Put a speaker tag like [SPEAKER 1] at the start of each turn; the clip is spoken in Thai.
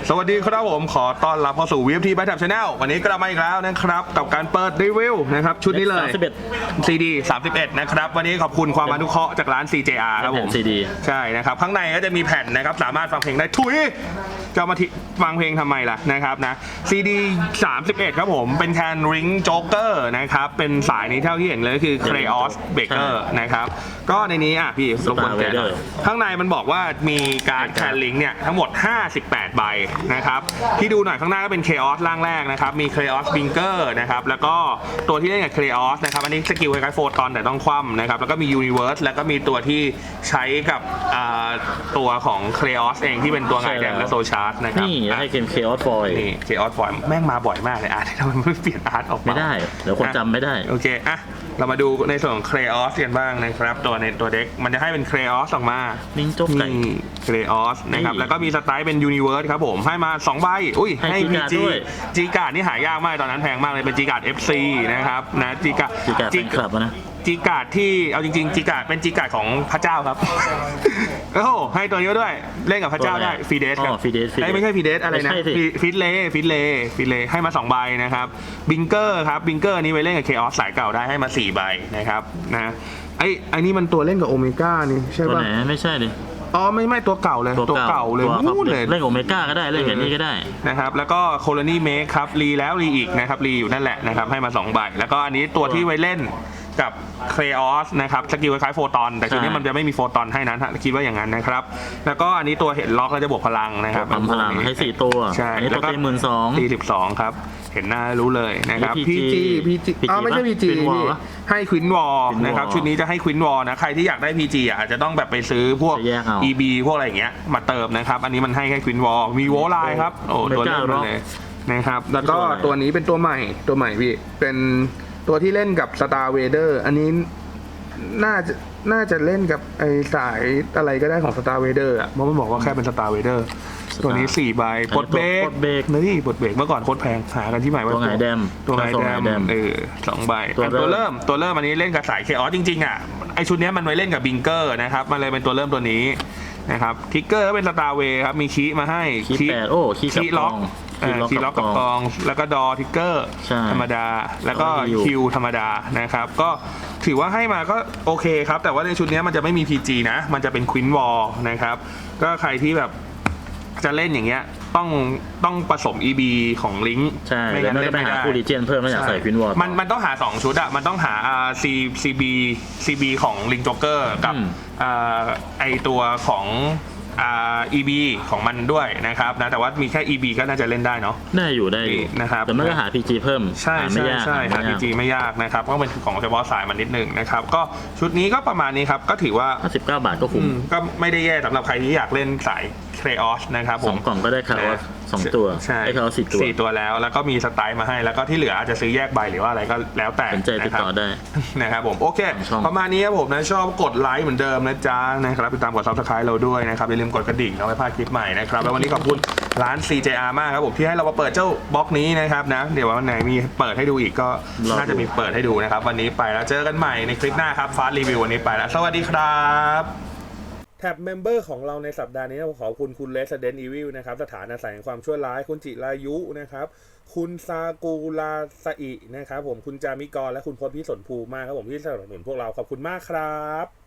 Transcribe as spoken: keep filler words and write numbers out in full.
[SPEAKER 1] สวัสดีครับผมขอต้อนรับเข้าสู่ วี เอฟ ที Byte Tab Channel วันนี้กลับมาอีกแล้วนะครับกับการเปิดรีวิวนะครับชุดนี้เลย ซี ดี สามสิบเอ็ด นะครับวันนี้ขอบคุณความอนุเคราะห์จากร้าน ซี เจ อาร์ ครับผม
[SPEAKER 2] ซี ดี
[SPEAKER 1] ใช่นะครับข้างในก็จะมีแผ่นนะครับสามารถฟังเพลงได้ทุยจะมาฟังเพลงทำไมล่ะนะครับนะ ซี ดี สามสิบเอ็ด ครับผมเป็นแคนริงโจ๊กเกอร์นะครับเป็นสายนี้เท่าที่เห็นเลยคือ Chaos Breaker นะครับก็ในนี้อ่ะพี่รบกวนแกะหน่อยข้างในมันบอกว่ามีการแคนลิงเนี่ยทั้งหมดห้าสิบแปดใบนะครับที่ดูหน่อยข้างหน้าก็เป็น Chaos ร่างแรกนะครับมี Chaos Binker นะครับแล้วก็ตัวที่เล่นกับ Chaos นะครับอันนี้สกิลคล้ายๆโฟตอนแต่ต้องคว่ำนะครับแล้วก็มี Universe แล้วก็มีตัวที่ใช้กับตัวของ Chaos เองที่เป็นตัวไงแดมและโซชาร์ดนะครับ
[SPEAKER 2] นี่ให้เกม Chaos Foil
[SPEAKER 1] นี่ Chaos Foil แม่งมาบ่อยมากเลยอาร์ตทำไมไม่เปลี่ยนอาร์ตออกมา
[SPEAKER 2] ไม่ได้เดี๋ยวคนจำไม่ได้
[SPEAKER 1] โอเคอ่ะเรามาดูในส่วนของ Chaos กันบ้างนะครับตัวในตัวเด็กมันจะให้เป็น Chaos ออกมา
[SPEAKER 2] ลิงจบไก่
[SPEAKER 1] Chaos นะครับแล้วก็มีสไตล์เป็น Universe ครับผมให้มาสองใบอุ้ยให้ พี จี จีการ์ดนี่หายากมากตอนนั้นแพงมากเลยเป็นจีการ์ด เอฟ ซี นะครับนะจีการ์ด
[SPEAKER 2] จีการ์ดเป็นคลับนะ
[SPEAKER 1] จีการ์ดที่เอาจริงๆจีการ์ดเป็นจีการ์ดของพระเจ้าครับโอ้โหให้ตัวนี้ด้วยเล่นกับพระเจ้าได้ฟีเดสครับไม่ใช่ฟีเดสอะไรนะฟิตเลฟิตเลฟิตเลให้มาสองใบนะครับบิงเกอร์ครับบิงเกอร์นี้ไว้เล่นกับเคออสสายเก่าได้ให้มาสี่ใบนะครับนะไอ้ไอ้นี่มันตัวเล่นกับโอเมก้านี่ใช่ป่ะ
[SPEAKER 2] ตัวไหนไม่ใช่ดิ
[SPEAKER 1] อ๋อไม่ไม่ตัวเก่าเลยตัวเก่าเลยนู่นเลย
[SPEAKER 2] เล่นโอเมก้าก็ได้เล่นอย่างนี้ก็ได้
[SPEAKER 1] นะครับแล้วก็โคโลนีเมคครับรีแล้วรีอีกนะครับรีอยู่นั่นแหละนะครับให้มาสองใบแล้วก็อันนี้ตัวที่ไว้เล่นกับเคออสนะครับสกิลคล้ายโฟตอนแต่ชุดนี้มันจะไม่มีโฟตอนให้นะคิดว่าอย่างนั้นนะครับแล้วก็อันนี้ตัวเห็นล็อกแล้วจะบวกพลังนะครับ
[SPEAKER 2] พลังให้สี่ตัว
[SPEAKER 1] ใช่
[SPEAKER 2] แล้วก็ตีหมื่นสอง
[SPEAKER 1] ตีสิบสองครับเห็นหน้ารู้เลยนะครับพีจีพีจีอ๋อไม่ใช่พีจีให้ควินวอลนะครับชุดนี้จะให้ควินวอลนะใครที่อยากได้พีจีอาจจะต้องแบบไปซื้อพวก อี บี พวกอะไรอย่างเงี้ยมาเติมนะครับอันนี้มันให้แค่ควินวอลมีโวลไลน์ครับโอ้ตัวเล่นเลยนะครับแล้วก็ตัวนี้เป็นตัวใหม่ตัวใหม่พี่เป็นตัวที่เล่นกับ Star Vader อันนี้น่าจะน่าจะเล่นกับไอสายอะไรก็ได้ของ Star Vader อ่ะเพราะมันบอกว่าแค่เป็น Star Vader ตัวนี้สี่ใบปลดเบรกนี่ปลดเบรกเมื่อก่อนโคตรแพงหากันที่ใหม่ว่า
[SPEAKER 2] ตัวไงแดม
[SPEAKER 1] ตัวไงแดมเออสองใบตัวเริ่มตัวเริ่มอันนี้เล่นกับสายเคออสจริงๆอ่ะไอชุดนี้มันไว้เล่นกับบิงเกอร์นะครับมันเลยเป็นตัวเริ่มตัวนี้นะครับทิกเกอร์ก็เป็น Star Way ครับมีคีย์มาให้
[SPEAKER 2] คีย์แปดโอ้คีย์
[SPEAKER 1] ล็อกคีย์ล็อกกับกองแล้วก็ดอทิกเกอร์ธรรมดาแล้วก็คิวธรรมดานะครับก็ถือว่าให้มาก็โอเคครับแต่ว่าในชุดนี้มันจะไม่มี พี จี นะมันจะเป็นควินวอลนะครับก็ใครที่แบบจะเล่นอย่างเงี้ยต้องต้องผสม อี บี ของลิงก์
[SPEAKER 2] ใช่ไม่งั้นเล่นไม่ได้คูลิเจนเพิ่มไม่อยากใส่ควินวอล
[SPEAKER 1] มันมันต้องหาสองชุดอะมันต้องหา ซี ซี บี ซี บี ของลิงจ็อกเกอร์กับไอตัวของอ่า อี บี ของมันด้วยนะครับนะแต่ว่ามีแค่ อี บี ก็น่าจะเล่นได้เนาะ
[SPEAKER 2] ได้อยู่ได้อยู่
[SPEAKER 1] นะครับ
[SPEAKER 2] แต่ไม่ก็หา พี จี เพิ่ม
[SPEAKER 1] ใช่ใช่ใช่หา พี จี ไม่ยากนะครับก็เป็นของเฉพาะสายมันนิดนึงนะครับก็ชุดนี้ก็ประมาณนี้ครับก็ถือว่า
[SPEAKER 2] ห้าสิบเก้าบาทก็คุ้ม
[SPEAKER 1] ก็ไม่ได้แย่สำหรับใครที่อยากเล่นสายเคออสนะครับผม
[SPEAKER 2] สองกล่องก็ได้คาร์ออสสองตัว
[SPEAKER 1] ใช่
[SPEAKER 2] คาร์ออสสี่ตัว
[SPEAKER 1] สี่ตัวแล้วแล้วก็มีสไตล์มาให้แล้วก็ที่เหลืออาจจะซื้อแยกใบหรือว่าอะไรก็แล้วแต่
[SPEAKER 2] สนใจติดต่อได้
[SPEAKER 1] นะครับผมโอเคประมาณนี้ครับผมนะชอบกดไลค์เหมือนเดิมนะจ๊ะนะครับติดตามกดซับสไครต์เราด้วยนะครับอย่าลืมกดกระดิ่งเอาไว้พลาดคลิปใหม่นะครับแล้ววันนี้ขอบคุณร้าน ซี เจ อาร์ มากครับผมที่ให้เรามาเปิดเจ้าบล็อกนี้นะครับนะเดี๋ยววันไหนมีเปิดให้ดูอีกก็น่าจะมีเปิดให้ดูนะครับวันนี้ไปแล้วเจอกันใหม่ในคลิปหน้าครับฟาสต์รีวิววันนี้ไปแล้วสวัสดีครับแท็บเมมเบอร์ของเราในสัปดาห์นี้ขอคุณคุณ Resident Evil นะครับสถานอาศัยแห่งความชั่วร้ายคุณจิรายุนะครับคุณซากูราซาอินะครับผมคุณจามิกรและคุณพจน์พิสนภูมากครับผมที่สนับสนุนพวกเราขอบคุณมากครับ